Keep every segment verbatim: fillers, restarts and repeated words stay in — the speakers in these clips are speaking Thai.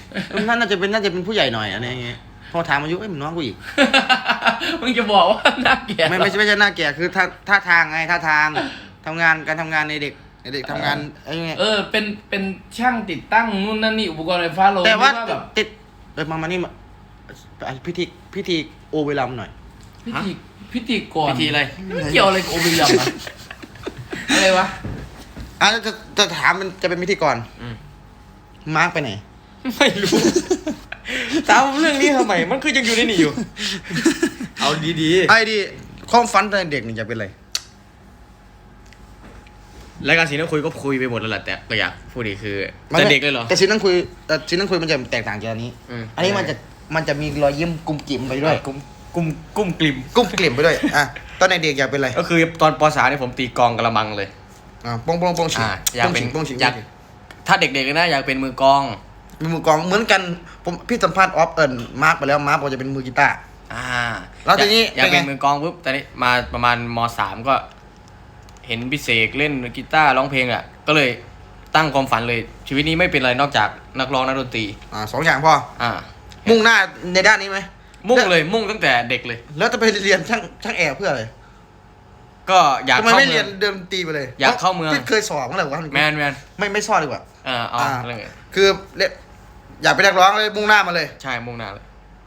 น่าน่าจะเป็นน่าจะเป็นผู้ใหญ่หน่อยอะไรอย่างเงี้ยพอถามอายุเอ้ยมันน้องกูอีกมึงจะบอกว่าหน้าแก่ไม่ไม่ใช่ไม่ใช่หน้าแก่คือท่าท่าทางไงท่าทางทำงานการทำงานในเด็กในเด็กทำงานไอ้เงี้ยเออเป็นเป็นช่างติดตั้งนู่นนั่นนี่อุปกรณ์ไฟฟ้าโลแต่ว่าแบบติดเออมามานี่มาพิธีพิธีโอเวลัมหน่อยพิธีพิธีกรพิธีอะไรเกี่ยวอะไรกับโอเบยัมอะอะไรวะอ่ะจะจะถามมันจะเป็นพิธีกรอืมมาร์กไปไหนไม่รู้ถามเรื่องนี้ทำไมมันคือยังอยู่ในนี่อยู่ เอาดีไอ้ดิความฝันตอนเด็กนี่จะเป็นอะไรๆรายการสีน้ำคุยก็คุยไปหมดแล้วแหละแต่ก็อยากพูดอีกคือแต่เด็กเลยเหรอแต่ชิ้นนั่งคุยแต่ชิ้นนั่งคุยมันจะแตกต่างจากอันนี้อืมอันนี้มันจะมันจะมีรอยยิ้มกุมกิ่มไปด้วยกุ้มกุ้มกุ้มกลิ่มกุ้มกลิ่มไปด้วยอ่ะตอนในเด็กอยากเป็นอะไรก็คือตอนปสามเนี่ยผมตีกลองกระมังเลยอ่าปองปองปองฉิงอ่าอยากปองเป็นฉิงปองฉิงอยากถ้าเด็กๆเลยนะอยากเป็นมือกลองมีมือกลองเหมือนกันผมพี่สัมภาษณ์ออฟเอิญมาร์กไปแล้วมาร์กบอกจะเป็นมือกีตาร์อ่าแล้วทีนี้อยากเป็นไงเป็นมือกลองปุ๊บตอนนี้มาประมาณมสามก็ เห็นพี่เสกเล่นกีตาร์ร้องเพลงอ่ะก็เลยตั้งความฝันเลย ชีวิตนี้ไม่เป็นอะไรนอกจากนักร้องนักดนตรีอ่าสองอย่างพออ่ามุ่งหน้าในด้านนี้ไหมมุ่งเลยมุ่งตั้งแต่เด็กเลยแล้วจะไปเรียนช่างช่างแอร์เพื่ออะไรก็อยากทำไมเข้าไม่เมืเรีอยนงเดินดนตรีไปเลยอยากเข้าเมืองพี่เคยสอบมั้งเหรอวะแมนแมนไม่ไม่สอบดีกว่าเออเอาอ่าเรื่องอื่นคือเรียนอยากเป็นนักร้องเลยมุ่งหน้ามาเลยใช่มุ่งหน้าเลย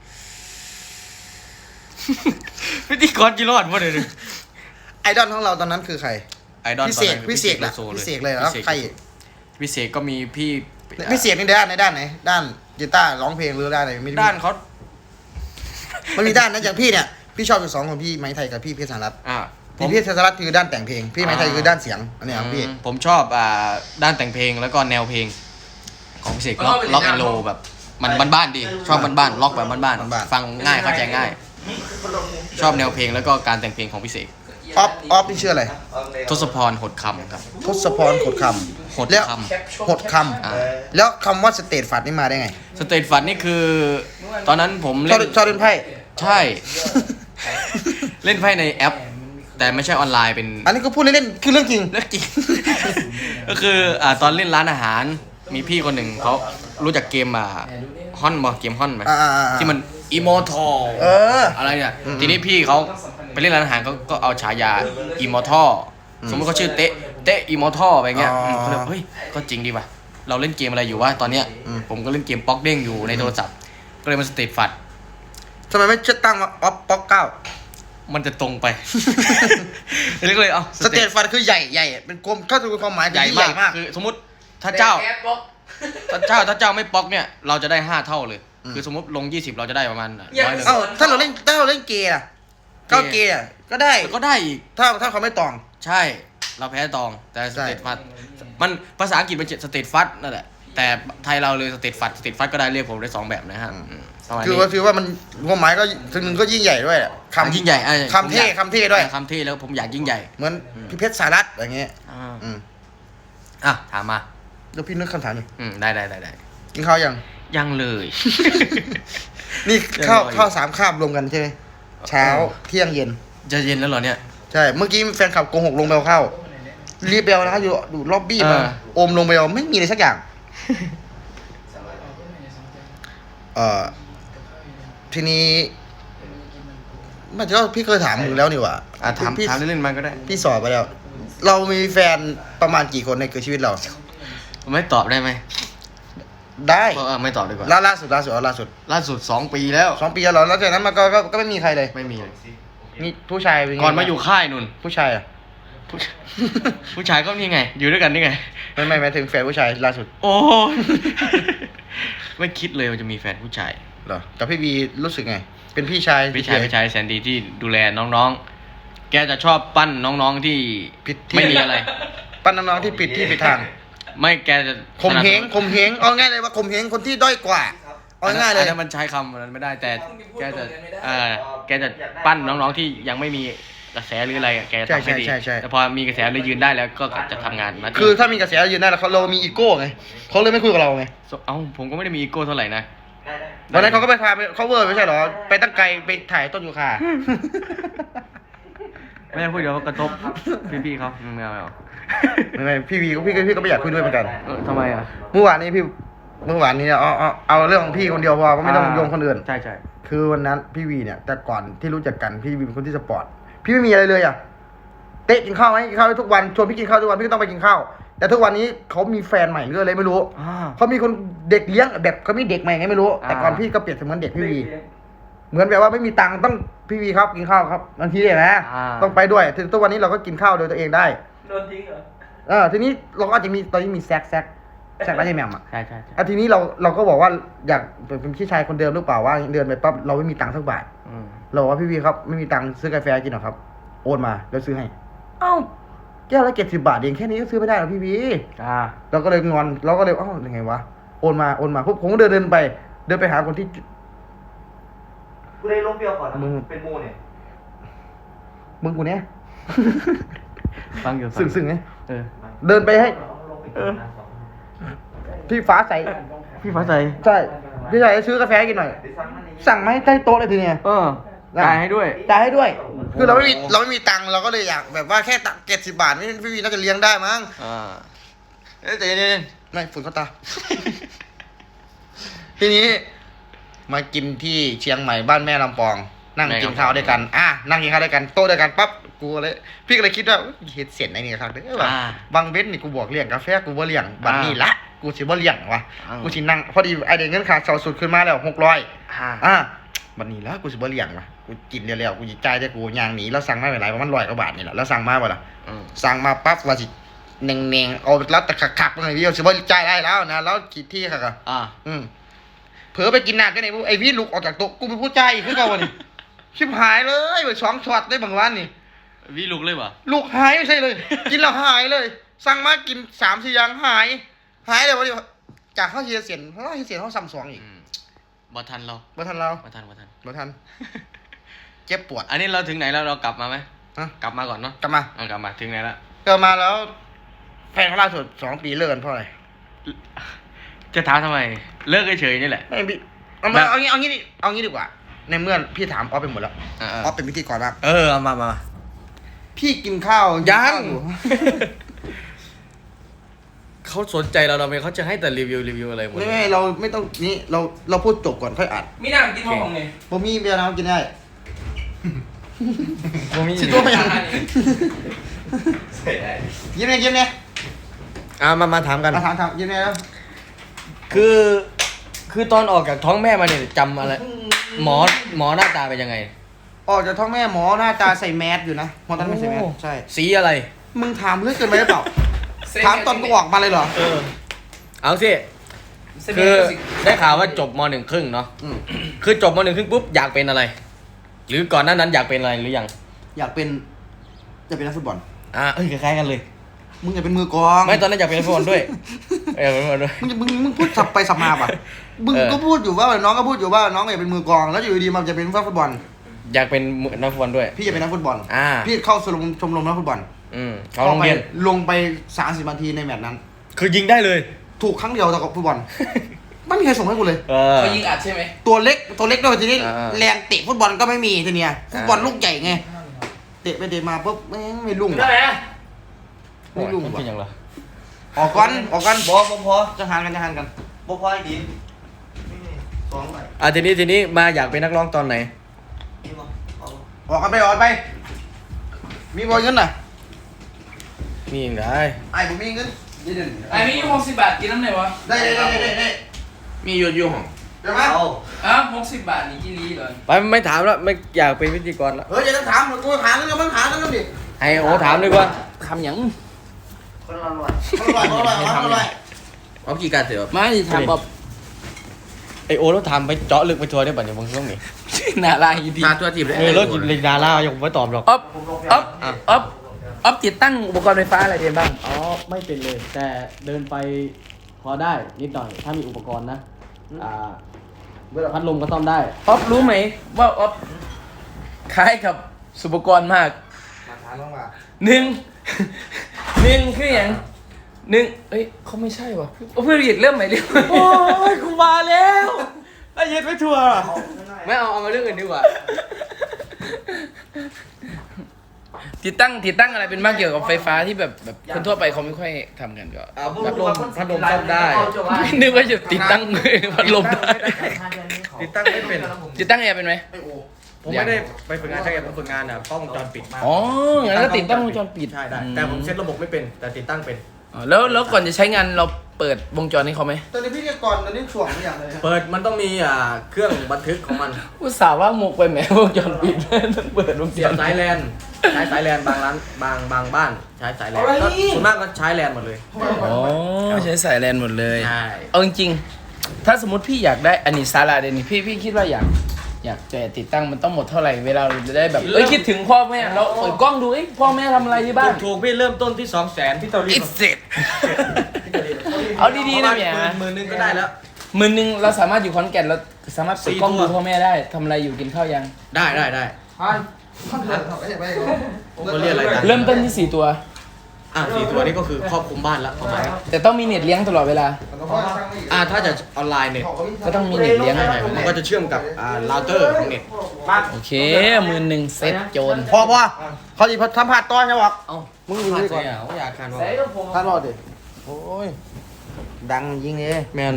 พิธีกรจิรอดวะเดี๋ยวนี้ไอดอลของเราตอนนั้นคือใครไอดอลพี่เสกตอนนั้นพี่เสกแหละโซพี่เสกเลยแล้วใครอีกพี่เสกก็มีพี่พี่เสกในด้านในด้านไหนด้านกีตาร์ร้องเพลงหรือด้านไหนไม่ได้ด้านเขามันมีด้านนั้นอย่างพี่เนี่ยพี่ชอบอยู่สองคนพี่ไม้ไทยกับพี่เพชรสารัตน์อ่าผพี่มเพชรสารัตน์คือด้านแต่งเพลงพี่ไม้ไทยคือด้านเสียงอันนี้ของพี่อืมผมชอบอ่าด้านแต่งเพลงแล้วก็แนวเพลง ของพี่เสกล็อกล็อกแอนโลแบบ มันบ้านๆดีชอบบ้านๆล็อกแบบบ้านๆฟังง่ายเข้าใจง่าย ชอบแนวเพลงแล้วก็การแต่งเพลงของพี่เสกออฟออฟนี่ชื่ออะไรทศพรหดคำครับทศพรขดคหดำแล้วคหดคอ่าำแล้วคำว่าสเตทฟัดนี่มาได้ไงสเตทฟันนี่คือ ตอนนั้นผมชเล่อบนชอบเล่นไพ่ใช่ เล่นไพ่ในแอป แต่ไม่ใช่ออนไลน์เป็นอันนี้ก็พูดเล่นๆคือเรื่องจริงเรื่องจริง ก็คืออ่าตอนเล่นร้านอาหาร มีพี่คนหนึ่งเขารู้จักเกมอ่ะฮอนบอเกมฮอนไหมอ่าๆๆที่มันอิโมทอลเอออะไรเนี่ยอืมทีนี้พี่เขาไปเล่นร้านอาหารเขาก็เอาฉายาอิโมทอลสมมติเขาชื่อเตะเตะอิโมทอลไปเงี้ยอ๋ออืมเขาเลยเฮ้ยก็จริงดีว่ะเราเล่นเกมอะไรอยู่วะตอนเนี้ยอืมผมก็เล่นเกมป๊อกเด้งอยู่ในโทรศัพท์ก็เลยมาสเตทฟัดทำไมไม่ชื่อตั้งว่าออฟป๊อกเก้ามันจะตรงไป เรียกเลยเอาสเตทฟัดคือใหญ่ใหญ่เป็นกลมเข้าสู่ความหมายใหญ่ที่มากคือสมมติถ้าเจ้า ถ้าเจ้าถ้าเจ้าไม่ป๊อกเนี่ยเราจะได้ห้าเท่าเลย คือสมมติลงยี่สิบเราจะได้ประมาณร้อยหนึ่งเอ้าถ้าเราเล่นถ้าเราเล่นเกย์อะก็เกย์อะก็ได้ก็ได้อีกถ้าถ้าเขาไม่ตองใช่เราแพ้ตองแต่สใช่เตทฟัดมันภาษาอังกฤษมันสเตทฟัดนั่นแหละแต่ไทยเราเลยสเตทฟัดสเตทฟัดก็ได้เรียกผมได้สองแบบนะฮะอืมประมาณคือนี้ว่าคือว่ามันความหมายก็ถึงหนึ่งก็ยิ่งใหญ่ด้วยอะคำยิ่งใหญ่อ่ะคำเท่คำเท่ด้วยคำเท่แล้วผมอยากยิ่งใหญ่เหมือนพี่เพชรสารัตน์อย่างเงี้ยอ่าอืมอ่ะถามมาเดี๋ยวพี่นึกคำถามหนึ่งอืมได้ได้ได้ได้กินข้าวยังยังเลยนี่ยังข้าวรออยู่ข้าวสามคาบรวมกันใช่ไหมเช้าเที่ยงเย็นจะเย็นแล้วเหรอเนี่ยใช่ เมื่อกี้แฟนคลับโกหกลงไปเอาข้าวรีบไปเอานะอยู่ดูล็อบบี้มาเออโอมลงไปเอาไม่มีอะไรสักอย่าง เอ่อทีนี้มันจะพี่เคยถามมึงแล้วนี่หว่าอ่ะถามพี่ถามเล่นๆมันก็ได้พี่สอบไปแล้ว เรามีแฟนประมาณกี่คนในเกิดชีวิตเราผมไม่ตอบได้ไหมได้เออไม่ตอบดีกว่าล่าล่าสุดล่าสุดเอาล่าสุดล่าสุดสองปีแล้วสองปีแล้วเหรอแล้วจากนั้นมันก็ก็ก็ไม่มีใครเลยไม่มีเลยนี่ผู้ชายเป็นไงก่อนมาอยู่ค่ายนุ่นผู้ชายอ่ะผู้ชผู้ชายก็นี่ไง อยู่ด้วยกันนี่ไงไม่ไม่หมายถึงแฟนผู้ชายล่าสุดโอ้ย ไม่คิดเลยว่าจะมีแฟนผู้ชายเหรอกับพี่บีรู้สึกไง เป็นพี่ชายพี่ชายพี่ชายแสนดีที่ดูแลน้องๆ แกจะชอบปั้นน้องๆที่ผิดที่ไม่มีอะไรปั้นน้องๆที่ปิดที่ปิดทางไม่แกจะข่มเหงข่มเหงเอาง่ายเลยว่าข่มเหงคนที่ด้อยกว่าเอาง่ายเลยอันนั้นมันใช้คำนั้นไม่ได้แต่แกจะเออแกจะปั้นน้องๆที่ยังไม่มีกระแสหรืออะไรอะแกจะทำให้ดีแต่พอมีกระแสเลยยืนได้แล้วก็จะทำงานมาคือถ้ามีกระแสยืนได้แล้วเขาเรามีอีโก้ไงเขาเลยไม่คุยกับเราไงเอ้าผมก็ไม่ได้มีอีโก้เท่าไหร่นะวันนั้นเขาก็ไปพาไปเขาเวอร์ไม่ใช่เหรอไปตั้งไกลไปถ่ายต้นยูคาไม่ได้พูดเดี๋ยวกระทบพี่ๆเขาไม่เอาไม่เอาไม่ไม่พี่บีก็พี่ก็พี่ก็ไม่อยากคุยด้วยเหมือนกันเออทำไมอ่ะเมื่อวานนี้พี่เมื่อวานนี้เอาเอาเอาเรื่องของพี่คนเดียวพอไม่ต้องโยงคนอื่นใช่ใช่คือวันนั้นพี่วีเนี่ยแต่ก่อนที่รู้จักกันพี่วีเป็นคนที่สปอร์ตพี่ไม่มีอะไรเลยอ่ะเตะกินข้าวไหมกินข้าวทุกวันชวนพี่กินข้าวทุกวันพี่ก็ต้องไปกินข้าวแต่ทุกวันนี้เขามีแฟนใหม่หรืออะไรไม่รู้อ่าเขามีคนเด็กเลี้ยงแบบเขามีเด็กใหม่ไงไม่รู้ แต่ก่อนอ่าพี่ก็เปรียบเสมือนเด็กพี่วีเหมือนแบบว่าไม่มีตังค์ต้องพี่วีครับกินข้าวครับบางทีเนี่ยนะอ่าต้องไปด้วยถึงทุกวันนี้เราก็กินข้าวโดยตัวเองได้โดนทิ้งเหรอเออทีนี้เราก็อาจจะมีตอนนี้มีแซกแซกแซกแล้วใช่ไหมอ่ะใช่ใช่ใช่อ่ะทีนี้เราเราก็บอกว่าอยากเป็นพี่ชายคนเดิมหรือเปล่าว่าเดินไปปั๊บเราไม่มีตังค์สักบาทอืมเราบอกว่าพี่วีครับไม่มีตังค์ซื้อกาแฟกินหรอครับโอนมาแล้วซื้อให้ เอ้าแก้วละเจ็ดสิบบาทเองแค่นี้ก็ซื้อไม่ได้หรอพี่วีอ่าเราก็เลยงอนเราก็เลยเอ้ายังไงวะโอนมาโอนมาปุ๊บผมก็เดินเดินไป เดินไปหาคนที่กูได้ลงเปรี้ยวก่อนนะมึงเป็นมูเนี่ยมึงกูเนี้ยฟังอยู่สึ่งสึ่งไงเออเดินไปให้ลงไปเออพี่ฟ้าใสพี่ฟ้าใสใช่พี่ชายซื้อกาแฟให้กินหน่อยเดี๋ยวสั่งอันนี้สั่งมาให้ใต้โต๊ะเลยทีเนี้ยเออจ่ายให้ด้วยจ่ายให้ด้วย คือเราไม่มีเราไม่มีตังค์เราก็เลยอยากแบบว่าแค่ตังเจ็ดสิบบาทนี่พี่วีน่าจะเลี้ยงได้มั้งอ่าเอ้ยใจเย็นไม่ฝุ่นเข้าตา ทีนี้ มากินที่เชียงใหม่บ้านแม่ลำปอง นั่งกินข้าวด้วยกัน อ่ะนั่งกินข้าวด้วยกันโต๊ะด้วยกันปั๊บกูเลยพี่ก็เลยคิดว่าเฮ็ดเสียนไอ้นี่ครับเด้อว่าอ่าบางเว้นนี่กูบอกเลี้ยงกาแฟกูบ่เลี้ยงบัดนี้ละกูสิบ่เลี้ยงวะอ่ากูกูสินั่งพอดีไอเด็กเงินขาดเสาสุดขึ้นมาแล้วหกร้อยอ่าอ่ะบัดนี้ละกูสิบ่เลี้ยงวะกูกินเร็วๆกูสิจ่ายแต่กูย่างหนีแล้วสั่งมาไม่หลายประมาณร้อยกว่าบาทนี่แหละแล้วสั่งมาบ่ล่ะอืมสั่งมาปั๊บว่าสิเน่งๆเอาแล้วแต่ขักๆเลยพี่เอาสิบ่จ่ายได้แล้วนะแล้วกี่ที่ค่ะก็อ่าอืมเผลอไปกินน้ำกันไอ้พวกไอ้วิลุกออกจากโต๊ะกูเป็นผู้ใจายอีกคือเก่าวันนี้ ชิบหายเลยไปสองช็อตได้บางวันนี่วิลุกเลยปะลูกหายไม่ใช่เลย กินแล้วหายเลย สั่งมากินสามสี่อย่างหาย หายเลยวันนี้จากข้าวเชียเสียนข้าวเชียเสียนข้าวซัมซุงอีกอืมบ่ทันเราบ่ทันเราบ่ทันบ่ทันบ่ทันเจ็บปวดอันนี้เราถึงไหนแล้วเรากลับมาไหมฮะกลับมาก่อนเนาะกลับมาเอากลับมาถึงไหนแล้วเกิดมาแล้ว แฟนเขาล่าสุดสองปีเลิกกันเพราะอะไรจะถามทำไม เลิกเฉยๆนี่แหละไม่พี่เอาแบมาบเอางี้เอางี้ดิเอางี้ดีกว่า ในเมื่อพี่ถามออฟไปหมดแล้วอ่าออฟเป็นพิธีกรบ้างเออเอามามาพี่กินข้าวยังกินข้าวอเขาสนใจเราเราไม่เขาจะให้แต่รีวิวรีวิวอะไรหมดไม่ไม่เราไม่ต้องนี่เราเราพูดจบก่อนค่อยอัดมีน้ำกินมะม่วงเนี่ยผมมีเบียร์น้ำกินได้ผมมีสิตัวยังเสร็จแล้วยิ้มเนี่ยยิ้มเนี่ยอ่ามามาถามกันมาถามถามยิ้มเนี่ยแล้วคือ คือตอนออกจากท้องแม่มาเนี่ยจำอะไร หมอหมอหน้าตาเป็นยังไงออกจากท้องแม่หมอหน้าตาใส่แมสอยู่นะหมอตอนนั้นไม่ใส่แมสโอ้ใช่สีอะไรมึงถามเรื่องเกินไปหรือเปล่าถามตอนกูออกมาเลยเหรอเออ เอาสิ คือได้ข่าวว่าจบมหนึ่งครึ่งเนาะอืมคือจบมหนึ่งครึ่งปุ๊บอยากเป็นอะไร หรือก่อนหน้านั้นอยากเป็นอะไรหรือยังอยากเป็นอยากเป็นนักฟุตบอลอ่าเอ้ยคล้ายๆกันเลยมึงอยากเป็นมือกลองไม่ตอนนั้นอยากเป็นนักฟุตบอลด้วยเออเป็นนักฟุตบอลด้วยมึงจะมึงมึงพูดสับไปสับมาป่ะมึงเออก็พูดอยู่ว่าน้องก็พูดอยู่ว่าน้องอยากเป็นมือกลองแล้วอยู่ดีๆมันจะเป็นนักฟุตบอลอยากเป็นนักฟุตบอลด้วยพี่อยากเป็นนักฟุตบอลอ่าพี่เข้าชมรมชมรมนักฟุตบอลอืมเขาโรงเรียนลงไปสามสิบนาทีในแมตช์นั้นคือยิงได้เลยถูกครั้งเดียวแต่กับฟุตบอล ไม่มีใครส่งให้กูเลยเออเขายิงอัดใช่ไหมตัวเล็กตัวเล็กด้วยทีนี้อ่าแรงเตะฟุตบอลก็ไม่มีทีเนี้ยฟุตบอลอ่าลูกใหญ่ไงเตะไปเตะมาปุ๊บแม่งไม่ลุ่งได้ไหมไม่ลุ่งมันว่ะเป็นยังไงออกก่อนออกก่อนบอพอพอจะหานกันจะหานกันบอพอไอ้ดินสองไปอ่ะทีนี้ทีนี้มาอยากเป็นนักร้องตอนไหนนี่บอเอาออกกันไปออกกันไป มีบอลเงินน่ะมีอย่างไรไอ้ผมมีเงินได้เด่นไอ้มีหกสิบบาทกินน้ำไหนวะได้ได้ได้ได้ได้มีอยู่อยู่ห้องเดี๋ยวมาเอาอ้าวหกสิบบาทนี่กี่ลีเลยไปไม่ถามแล้วไม่อยากเป็นพิธีกรแล้วเฮ้ยอย่าต้องถามกูถามกันแล้วมันถามกันแล้วดิให้โอถามดีกว่าทำยังคนละร้อยคนละร้อยคนละร้อยคนละร้อยเอากี่การเสียไม่ทำแบบไอโอแล้วถามไปเจาะลึกไปทัวร์ได้ป่ะเนี่ยบางช่วงนี้น่ารักดีตาตัวจีบเลยเออแล้วกินเลยดารายังไม่ตอบหรอกอ๊อฟอ๊อฟอ๊อฟอ๊อฟติดตั้งอุปกรณ์ไฟฟ้าอะไรเดียบ้างอ๋อไม่เป็นเลย แต่เดินไปพอได้นิดหน่อยถ้ามีอุปกรณ์นะอ่าพัดลมก็ซ่อมได้อ๊อฟรู้ไหมว่าอ๊อฟคล้ายกับสุปกรณ์มากมาถามลงมาหนึ่ง หนึ่งคืออย่างหนึ่งเอ้ยเขาไม่ใช่วะเพื่อนเรียกเริ่มใหม่เรียกโอ้ยกูมาแล้วไอ้เย็ดไม่ทัวร์ไม่เอาเอามาเรื่องอื่นดีกว่าติดตั้งติดตั้งอะไรเป็นบ้างเกี่ยวกับไฟฟ้าที่แบบแบบคนทั่วไปเขาไม่ค่อยทำกันก็อ่าพัดลมพัดลมซ่อมได้นึกว่าจะติดตั้งพัดลมได้ติดตั้งไม่เป็นติดตั้งแอร์เป็นไหมผมไม่ได้ไปฝึกงานช่างแอร์ผมฝึกงานอ่ะกล้องวงจรปิดอ๋องั้นก็ติดตั้งวงจรปิดใช่ได้แต่ผมเซ็ตระบบไม่เป็นแต่ติดตั้งเป็นอ๋อแล้วแล้วก่อนจะใช้งานเราเปิดวงจรให้เขาไหมตอนนี้พี่เรียกก่อนตอนนี้ช่วงไม่อย่างเลยเปิดมันต้องมีอ่าเครื่องบันทึกของมันอุตส่าห์ว่าหมกไปแหมวงจรปิดต้องเปิดวงจเสียรบสายแลนใช้สายแลนบางร้านบางบางบ้านใช้สายแลนก็ส่วนมากก็ใช้แลนหมดเลยอ๋อใช้สายแลนหมดเลยใช่เอาจริงๆถ้าสมมติพี่อยากได้อันนี้ซาลาเดยวนี่พี่พี่คิดว่าอยากอยากจะติดตั้งมันต้องหมดเท่าไหร่เวลาเราจะได้แบบเอ้ยคิดถึงพ่อแม่เราเปิดกล้องดูเอ้ยพ่อแม่ทำอะไรที่บ้านถูกพี่เริ่มต้นที่สองแสนพี่เตารีอิสเร็จเอาดีๆนะเนี่ยหมื่นหนึ่งก็ได้แล้วหมื่นหนึ่งเราสามารถอยู่ขอนแก่นเราสามารถเปิดกล้องสี่ดูตัวพ่อแม่ได้ทำอะไรอยู่กินข้าวยังได้ได้ได้พันพันเดือนไม่ใช่ไม่ใช่เขาเรียกอะไรกันเริ่มต้นที่สี่ตัวอ่ะสี่ตัวนี้ก็คือครอบคลุมบ้านละประมาณแต่ต้องมีเน็ตเลี้ยงตลอดเวลาอ่าถ้าจะออนไลน์เนี่ยก็ต้องมีเน็ตเลี้ยงใช่มันก็จะเชื่อมกับอ่าเราเตอร์ของเน็ตโอเคหมื่นหนึ่งเซ็ตโจรพอพอเขาจะทำผัดต้อนใช่ปะเอ้ามึงอยู่นี่ก่อนอ่ะเขาอยากคันว่าท่านรอดดิโอ้ยดังยิงเลยแมน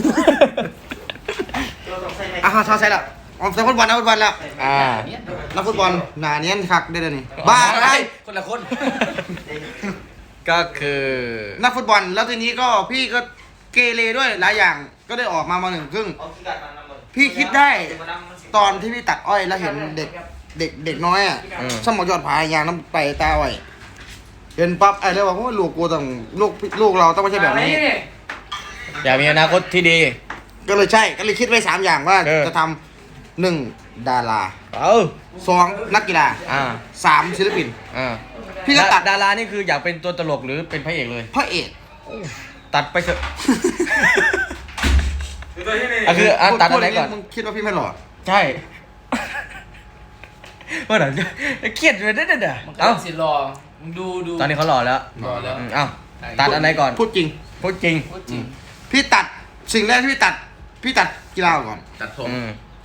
อ่ะเขาใส่ละออกใส่ฟุตบอลนะฟุตบอลแล้วอ่านักฟุตบอลหนาเนี้ยนคักได้เลยนี่บ้าอะไรคนละคน ก็คือนักฟุตบอลแล้วทีนี้ก็พี่ก็เกเรด้วยหลายอย่างก็ได้ออกมามาหนึ่งครึ่งพี่คิดได้ตอนที่พี่ตัดอ้อยแล้วเห็นเด็กเด็กเด็กน้อยอ่ะสมองยอดผายางน้ำไปตาอ้อยเห็นปั๊บไอ้เลยว่าโอ้ยลูกกูต้องลูกลูกเราต้องไม่ใช่แบบนี้อยากมีอนาคตที่ดีก็เลยใช่ก็เลยคิดไว้สามอย่างว่าเออจะทำหนึ่งดาราเออสองนักกีฬาอ่าสามศิลปินอ่าพี่ก็ตัดดารานี่คืออยากเป็นตัวตลกหรือเป็นพระเอกเลยพระเอกตัดไปเถอะอ่ะคืออ่ะตัดอะไรก่อนมึงคิดว่าพี่ไม่หล่อใช่ เมื่อไหร่จะเครียดเลยเด้อเด้อมันก็เอ้าสิรอมึงดูดูตอนนี้เขาหล่อแล้วรอแล้วอืมเอ้าตัดอันไหนก่อนพูดจริงพูดจริงพูดจริงพี่ตัดสิ่งแรกที่พี่ตัดพี่ตัดกีฬาก่อนตัดผมอืม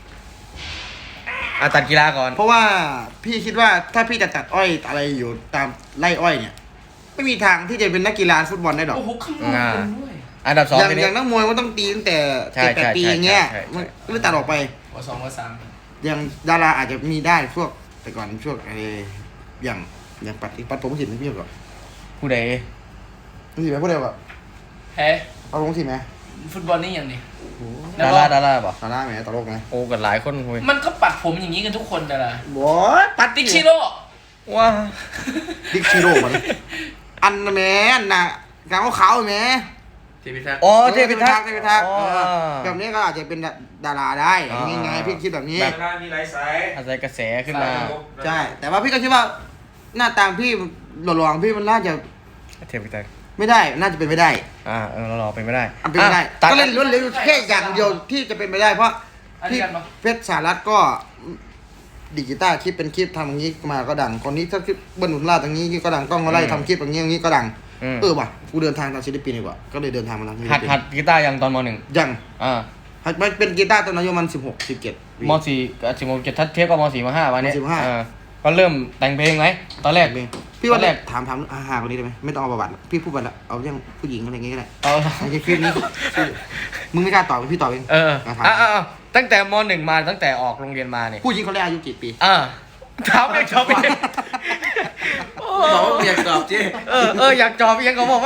อ่ะตัดกีฬาก่อนเพราะว่าพี่คิดว่าถ้าพี่จะตัดอ้อยอะไรอยู่ตามไร่อ้อยเนี่ย ไม่มีทางที่จะเป็นนักกีฬาฟุตบอลได้หรอกโอ้โหข้างนอกเป็นด้วยอันดับสองอย่างทีอนี้ย่างนักมวยมันต้องตีตั้งแต่ใช่เจ็ดแปดใช่ปีใช่อย่างเงี้ยใช่ใช่มันก็เลยตัดออกไปวสองวสามอย่างดาราอาจจะมีได้พวกแต่ก่อนพวกอะไรอย่างอย่างปัดปัดผมสินพี่ก่อนผู้ใดพี่ไปพูดเดียวก่อนแพ้ปัดผมสินไหมฟุตบอลนี่อย่างนี้ดาราดาราป่ะดาราไหมตลกไหมโอ้กันหลายคนเว้ยมันก็ปัดผมอย่างนี้กันทุกคนแต่ละบอยปัดติ๊กชิโร่ว้าดิกชิโร่มันอันนะแม่อันน่ะกางขาวๆแม่ทีพิทักษ์อ๋อเทพิทักษ์เทพิทักษ์อ๋อเออแบบนี้ก็อาจจะเป็นดาราได้อ๋อยังไงพี่คิดแบบนี้แบบมีหลายสายอาศัยกระแสขึ้นมาใช่ แต่ว่าพี่ก็คิดว่า หน้าตามพี่หล่อๆของพี่มันน่าจะเทพิทักษ์ไม่ได้ น่าจะเป็นไม่ได้อ่าเออเรารอเป็นไม่ได้อันเป็นไม่ได้อ่ะตัดก็เล่นล้วนเหลืออยู่แค่อย่างเดียวที่จะเป็นไปได้ เพราะอันพี่นี้กันปะเพชรสารัตก็ดิจิตาร์คลิปเป็นคลิปทำอย่างนี้มาก็ดัง คนนี้ถ้าคลิปเบิ้ลหนุนล่าดอย่างนี้ก็ดังกล้องมาไล่ทำคลิปอย่างนี้อย่างนี้ก็ดังอืมเออว่ะกูเดินทางตามศิลปินดีกว่า ก็เลยเดินทางมาทางศิลหัดปินหัดกีตาร์ยังตอนมหนึ่งยังอ่าหัดมันเป็นกีตาร์ตอนอายุมันสิบหกสิบเจ็ดมสี่กับสิบโมงเจ็ดทัดเทียบกับมสี่มห้าวันนี้มสี่มห้าอ่าก็เริ่มแต่งเพลงไหมตอนแรกพี่ว่าตอนแรกถามถามอาหารคนนี้ได้ไหมไม่ต้องเอาประวัติละพี่พูดไปละเอาเรื่องผู้หญิงอะไรอย่างเงี้ยก็ได้เอาไอ้คลิปนี้มึงไม่กล้าตอบพี่ตอบเองเออเอาถามอ่ะอ่ะอ่ะตั้งแต่มหนึ่งมาตั้งแต่ออกโรงเรียนมาเนี่ยผู้หญิงเขาเรียกอายุกี่ปีอ่าถามเองชอบเองบอกว่าอยากตอบจีเออเอออยากจอบเองเขาบอกว่า